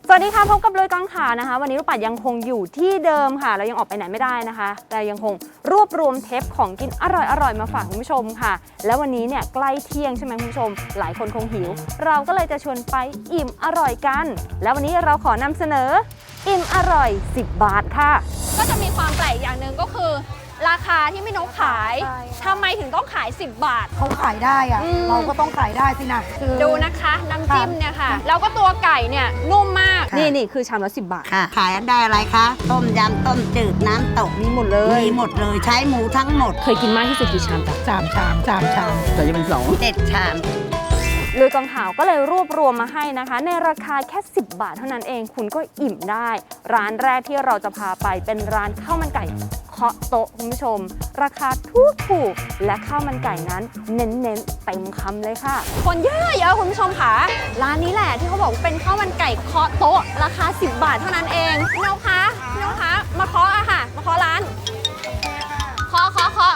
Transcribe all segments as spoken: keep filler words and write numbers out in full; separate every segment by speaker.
Speaker 1: สวัสดีค่ะพบกับลุยกองข่าวนะคะวันนี้ลูกปัดยังคงอยู่ที่เดิมค่ะเรายังออกไปไหนไม่ได้นะคะแต่ยังคงรวบรวมเทปของกินอร่อยๆมาฝากคุณผู้ชมค่ะแล้ววันนี้เนี่ยใกล้เที่ยงใช่ไหมคุณผู้ชมหลายคนคงหิวเราก็เลยจะชวนไปอิ่มอร่อยกันแล้ววันนี้เราขอนำเสนออิ่มอร่อยสิบบาทค่ะก็จะมีความแปลกอย่างหนึ่งก็คือราคาที่พี่นกขายทำไมถึงต้องขายสิบบาท
Speaker 2: เขาขายได้อะเราก็ต้องขายได้สินะคือ
Speaker 1: ดูนะคะน้ำจิ้มเนี่ยค่ะแล้วก็ตัวไก่เนี่ยนุ่มมากนี่นี่คือชามละสิบบาท
Speaker 3: ค่ะขายได้อะไรคะต้มยำต้มจืดน้ำตก
Speaker 1: มีหมดเลย
Speaker 3: มีหมดเลยใช้หมูทั้งหมด
Speaker 1: เคยกินมากที่สุดกี่ชามจ๊ะ
Speaker 2: สามชามสามชาม
Speaker 3: แต่จะเป็นสองเจ็ดชาม
Speaker 1: ลุยกองข่าวก็เลยรวบรวมมาให้นะคะในราคาแค่สิบบาทเท่านั้นเองคุณก็อิ่มได้ร้านแรกที่เราจะพาไปเป็นร้านข้าวมันไก่เคาะโต๊ะคุณผู้ชมราคาถูกถูกและข้าวมันไก่นั้นเน้นๆเต็มคำเลยค่ะคนเยอะเยอะคุณผู้ชมค่ะร้านนี้แหละที่เขาบอกเป็นข้าวมันไก่เคาะโต๊ะราคาสิบบาทเท่านั้นเองพี่นกคะพี่นกคะมาเคาะอะค่ะมาเคาะร้านเคาะเคาะเคาะ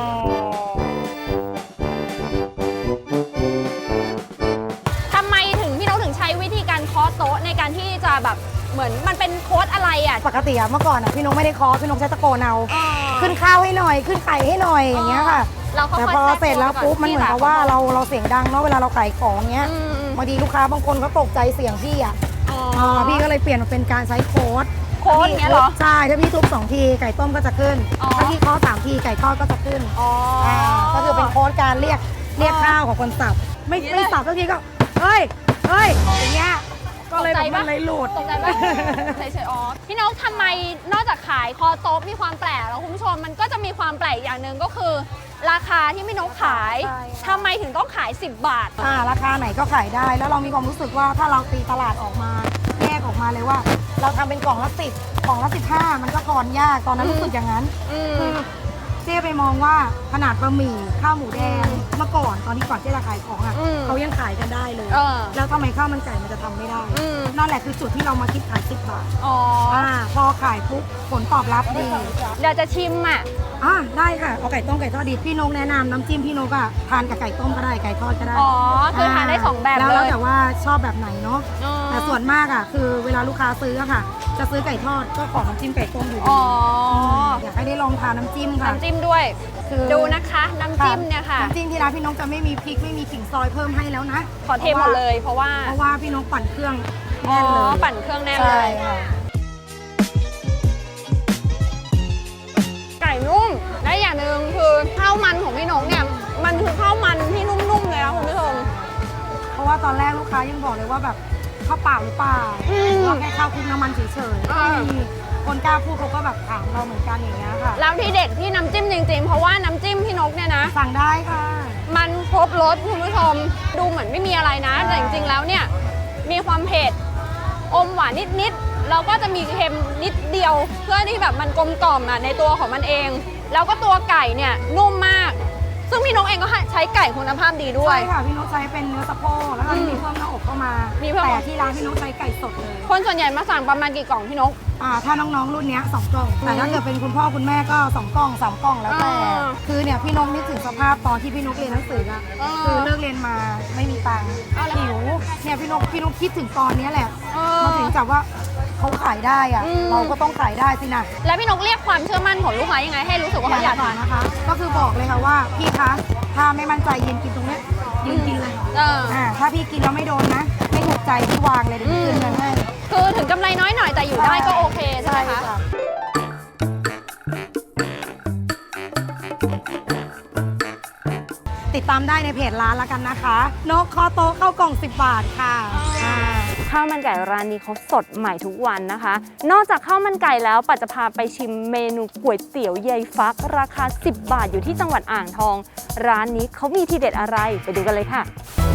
Speaker 1: โต๊ะในการที่จะแบบเหมือนมันเป็นโค้ดอะไรอ่ะ
Speaker 2: ปกติอะเมื่อก่อนอะพี่นกไม่ได้เคาะพี่นกใช้ตะโกนเอาขึ้นข้าวให้หน่อยขึ้นไก่ให้หน่อยอย่างเงี้ยค่ะแต่พอเสร็จแล้วปุ๊บมันเหมือนกับว่าเราเราเสียงดังเนาะเวลาเราขายของเงี้ยบางทีลูกค้าบางคนเขาตกใจเสียงพี่อ่ะพี่ก็เลยเปลี่ยนมาเป็นการใช้โค้ด
Speaker 1: โค้ดเนี้ยเหรอ
Speaker 2: ใช่ถ้าพี่ทุบสองทีไก่ต้มก็จะขึ้นถ้าพี่เคาะสามทีไก่ทอดก็จะขึ้นก็คือเป็นโค้ดการเรียกเรียกข้าวของคนสับไม่ไม่สับทุกทีก็เฮ้ยเฮ้ยอย่างเงี้ยก็เลยแบบมันเลยหลุด
Speaker 1: ตกใจป่ะเฉยๆอ๋อพี่นกทำไมนอกจากขายคอโต๊ะมีความแปลกแล้วคุณผู้ชมมันก็จะมีความแปลกอย่างหนึ่งก็คือราคาที่พี่นกขายทำไมถึงต้องขายสิบบาท
Speaker 2: อ่าราคาไหนก็ขายได้แล้วเรามีความรู้สึกว่าถ้าเราตีตลาดออกมาแยกออกมาเลยว่าเราทำเป็นกล่องละสิบกล่องละสิบห้ามันก็ทอนยากตอนนั้นรู้สึกอย่างนั้นคือเจ๊ไปมองว่าขนาดบะหมี่ข้าวหมูแดงเมื่อก่อนตอนที่ก่อนเจ๊จะขายของอ่ะเขายังขายกันได้เลยแล้วทำไมข้าวมันไก่มันจะทำไม่ได้นั่นแหละคือจุดที่เรามาคิดขายสิบบาทอ๋อพอขายปุ๊บผลตอบรับดี
Speaker 1: เดี๋ยวจะชิมอ่ะ
Speaker 2: อ่าได้ค่ะเอาไก่ต้มไก่ทอดดีพี่นกแนะนำน้ำจิ้มพี่นกอ่ะทานกับไก่ต้มก็ได้ไก่ทอดก็ได้
Speaker 1: อ๋อคือทานได้สองแบบเลย
Speaker 2: แล้วแต่ว่าชอบแบบไหนเนาะแต่ส่วนมากอ่ะคือเวลาลูกค้าซื้ออะค่ะจะซื้อไก่ทอดก็ขอน้ำจิ้มไก่ต้มอยู่ดีอยากให้ได้ลองทานน้ำจิ้มค่ะ
Speaker 1: น้ำจิ้มด้วยคือดูนะคะน้ำจิ้มเนี่ยค่ะ
Speaker 2: น้ำจิ้มที่ร้านพี่นกจะไม่มีพริกไม่มีขิงซอยเพิ่มให้แล้วนะ
Speaker 1: ขอเทหมดเลยเพราะว่า
Speaker 2: เพราะว่าพี่นกปั่นเครื่องแน่นเลย
Speaker 1: ปั่นเครื่องแน่นเลยไก่นุ่มและอย่างหนึ่งคือข้าวมันของพี่นกเนี่ยมันคือข้าวมันที่นุ่มๆเลยนะคุณผู้ชม
Speaker 2: เพราะว่าตอนแรกลูกค้ายังบอกเลยว่าแบบข้าวเปล่าหรือเปล่าว่าแค่ข้าวคลุกน้ำมันเฉยๆคนกล้าพูดเขาก็แบบถามเราเหมือนกันอย่างเงี้ยค่ะ
Speaker 1: แล้วที่เด็ดที่น้ำจิ้มจริงๆเพราะว่าน้ำจิ้มพี่นกเนี่ยนะ
Speaker 2: สั่งได้ค่ะ
Speaker 1: มันครบรสคุณผู้ชมดูเหมือนไม่มีอะไรนะแต่จริงๆแล้วเนี่ยมีความเผ็ดอมหวานนิดๆแล้วก็จะมีเค็มนิดเดียวเพื่อที่แบบมันกลมกล่อมอ่ะในตัวของมันเองแล้วก็ตัวไก่เนี่ยนุ่มมากซึ่งพี่นกเองก็ใช้ไก่คุณภาพดีด้วย
Speaker 2: ใช่ค่ะพี่นกใช้เป็นเนื้อสะโพกแล้วก็มีเพิ่มหน้าอกเข้ามาแต่ที่ร้านพี่นกใช้ไก่สดเลย
Speaker 1: คนส่วนใหญ่มาสั่งประมาณกี่กล่องพี่นก
Speaker 2: อ่าถ้าน้องๆรุ่นนี้สองกล่องแต่ถ้าเกิดเป็นคุณพ่อคุณแม่ก็สองกล่องสามกล่องแล้วแต่คือเนี่ยพี่นกนึกถึงสภาพตอนที่พี่นกเรียนหนังสืออะคือเลิกเรียนมาไม่มีตังค์หิวเนี่ยพี่นกพี่นกคิดถึงตอนนี้แหละมาถึงจับว่าเขาขายได้อะเราก็ต้องขายได้สินะ
Speaker 1: แล้วพี่นกเรียกความเชื่อมั่นของลูกค้ายังไงให้รู้สึกว่าเขาอยากทาน
Speaker 2: นะคะก็คือบอกเลยค่ะว่าพี่คะถ้าไม่มั่นใจยืนกินตรงนี้ยืนกินเลยอ่าถ้าพี่กินแล้วไม่โดนนะไม่ถูกใจพี่วางเลยเดี๋ยวคืนเงินให้
Speaker 1: คือถึงกำไรน้อยหน่อยแต่อยู่ได้ก็โอเคใช่ไหมคะ
Speaker 2: ติดตามได้ในเพจร้านแล้วกันนะคะนกคอโต๊ะเข้ากล่องสิบบาทค่ะ
Speaker 1: ข้าวมันไก่ร้านนี้เขาสดใหม่ทุกวันนะคะนอกจากข้าวมันไก่แล้วปัจจะพาไปชิมเมนูก๋วยเตี๋ยวยายฟักราคาสิบบาทอยู่ที่จังหวัดอ่างทองร้านนี้เขามีทีเด็ดอะไรไปดูกันเลยค่ะ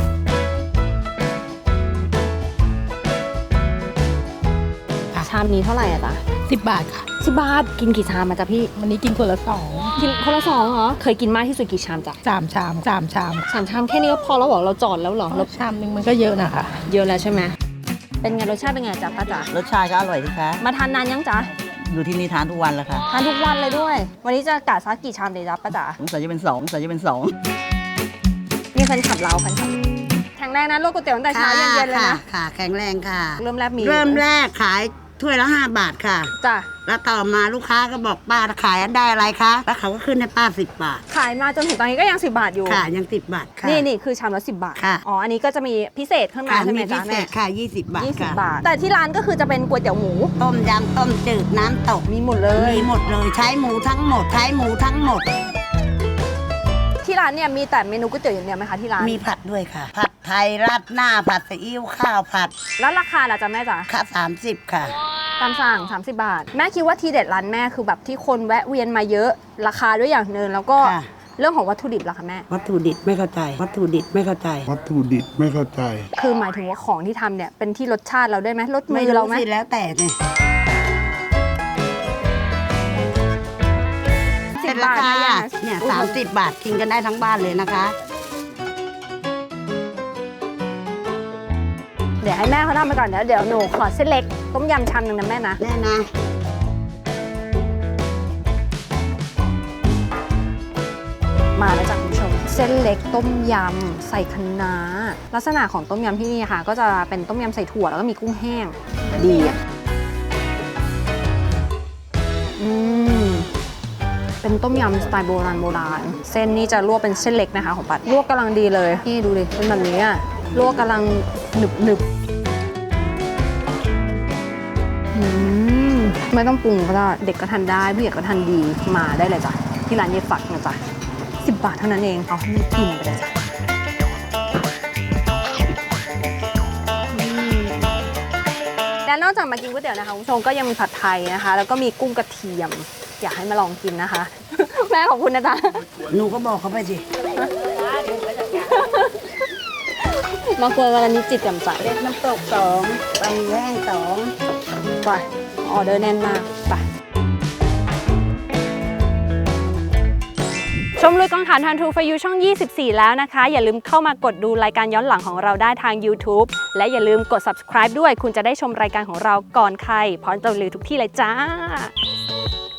Speaker 1: ชามนี้เท่าไหร่อะจ๊ะ
Speaker 2: สิบบาทค่ะ
Speaker 1: สิบบาทกินกี่ชามมาจ๊ะพี่
Speaker 2: วันนี้กินคนละสอง
Speaker 1: กินคนละสองเหรอเคยกินมากที่สุดกี่ชามจ๊ะ
Speaker 2: สามชามสามชาม
Speaker 1: สามชามแค่นี้ก็พอแล้วเหรอเราจอดแล้วเหรอ
Speaker 2: ชามนึงมันก็เยอะนะคะ
Speaker 1: เยอะแล้วใช่ไหมเป็นไงรสชาติเป็นไงจ๊ะป้าจ๋าร
Speaker 3: สชาติก็อร่อยสิคะ
Speaker 1: มาทานนานยังจ๊ะ
Speaker 3: อยู่ที่นี่ทานทุกวันแล้วค่ะ
Speaker 1: ทานทุกวันเลยด้วยวันนี้จะกะซักกี่ชามเลยจ๊ะป้าจ๋า
Speaker 3: สงสัยจะเป็นสองสงสัยจะเป็นสอง
Speaker 1: นี่แฟนคลับเราแฟนคลับข็งแรงนะลวกก๋วยเตี๋ยวตั้งแต่เช้าเย็นๆเลยนะ
Speaker 3: ค่ะแข็งแรงค่ะ
Speaker 1: เริ่มแรกมี
Speaker 3: เริ่มแรกขายถ้วยละห้าบาทค่ะ
Speaker 1: จ้ะ
Speaker 3: แล้วต่อมาลูกค้าก็บอกป้าขายได้อะไรคะแล้วเขาก็ขึ้นให้ป้าสิบบาท
Speaker 1: ขายมาจนถึงตอนนี้ก็ยังสิบบาทอยู่
Speaker 3: ค่ะยังสิบบาทค่ะ
Speaker 1: นี่นี่คือชามละสิบบาท
Speaker 3: ค่ะ
Speaker 1: อ๋ออันนี้ก็จะมีพิเศษข้างใน
Speaker 3: ค่ะ
Speaker 1: ใช่ไหม
Speaker 3: มีพิ
Speaker 1: จ๊ะ
Speaker 3: เศ
Speaker 1: แม่
Speaker 3: ษค่ะยี่สิบบาท
Speaker 1: ยี่สิบ
Speaker 3: ค่ะ
Speaker 1: บาท แต่ที่ร้านก็คือจะเป็นก๋วยเตี๋ยวหมู
Speaker 3: ต้มยำต้มจืดน้ำตก
Speaker 1: มีหมดเลย
Speaker 3: มีหมดเลยใช้หมูทั้งหมดใช้หมูทั้งหมด
Speaker 1: ที่ร้านเนี่ยมีแต่เมนูก๋วยเตี๋ยวอย่างเดียวไหมคะที่ร้าน
Speaker 3: มีผัดด้วยค่ะ ผัดไทยราดหน้าผัดซีอิ๊วข้าวผัด
Speaker 1: แล้วราคาล่ะจ๊ะแม่จ๋า
Speaker 3: ค่ะสามสิบค่ะ
Speaker 1: ตามสั่งสามสิบบาท แม่คิดว่าทีเด็ดร้านแม่คือแบบที่คนแวะเวียนมาเยอะราคาด้วยอย่างหนึ่งแล้วก็
Speaker 3: ค่ะ
Speaker 1: เรื่องของวัตถุดิบล่ะคะแม่
Speaker 3: วัตถุดิบไม่เข้าใจ วัตถุดิบไม่เข้าใจ
Speaker 4: วัตถุดิบไม่เข้าใจ
Speaker 1: คือหมายถึงว่าของที่ทำเนี่ยเป็นที่รสชาติเราได้ไหมรสมื
Speaker 3: ไม่
Speaker 1: อเรา
Speaker 3: รู้
Speaker 1: ไหม
Speaker 3: สิแล้วแต่เนี่ย
Speaker 1: สิบบาทนะ
Speaker 3: ค่ะ
Speaker 1: เนี่ย
Speaker 3: เนี่ยสามสิบบาทกินกันได้ทั้งบ้านเลยนะคะ
Speaker 1: เดี๋ยวให้แม่เขาทำไปก่อนเดี๋ยวเดี๋ยวหนูขอเส้นเล็กต้มยำชามหนึ่งนะแม่นะ
Speaker 3: แน่นะ
Speaker 1: มาแล้วจ้ะคุณผู้ชม เส้นเล็กต้มยำใส่คะน้าลักษณะของต้มยำที่นี่ค่ะ ก็จะเป็นต้มยำใส่ถั่วแล้วก็มีกุ้งแห้งดีอ่ะอืมเป็นต้มยำสไตล์โบราณโบราณเส้นนี้จะลวกเป็นเส้นเล็กนะคะของปัดลวกกำลังดีเลยนี่ดูดิเป็นแบบนี้อ่ะลวกกำลังหนึบหนึบอืมไม่ต้องปรุงก็ได้เด็กก็ทานได้ผู้ใหญ่ก็ทานดีมาได้เลยจ้ะที่ร้านเยฝักนะจ๊ะสิบบาทเท่านั้นเองเอาให้มันกินไปเลยจ้ะอืมและนอกจากมากินก๋วยเตี๋ยวนะคะคุณผู้ชมก็ยังมีผัดไทยนะคะ แล้วก็มีกุ้งกระเทียม อยากให้มาลองกินนะคะ แม่ขอบคุณนะจ๊ะ
Speaker 3: หนูก็บอกเขาไปสิ
Speaker 1: มาเกลือวันละนิดจิตแจ่มใส
Speaker 3: เล็กน้ำตกสองบะหมี่แห้งสอง
Speaker 1: ไปออเดอร์แน่นมากไปชมลุยกองถ่านทันทูฟยูช่อง ยี่สิบสี่ แล้วนะคะ อย่าลืมเข้ามากดดูรายการย้อนหลังของเราได้ทาง YouTube และอย่าลืมกด Subscribe ด้วย คุณจะได้ชมรายการของเราก่อนใครพร้อมจะลือทุกที่เลยจ้า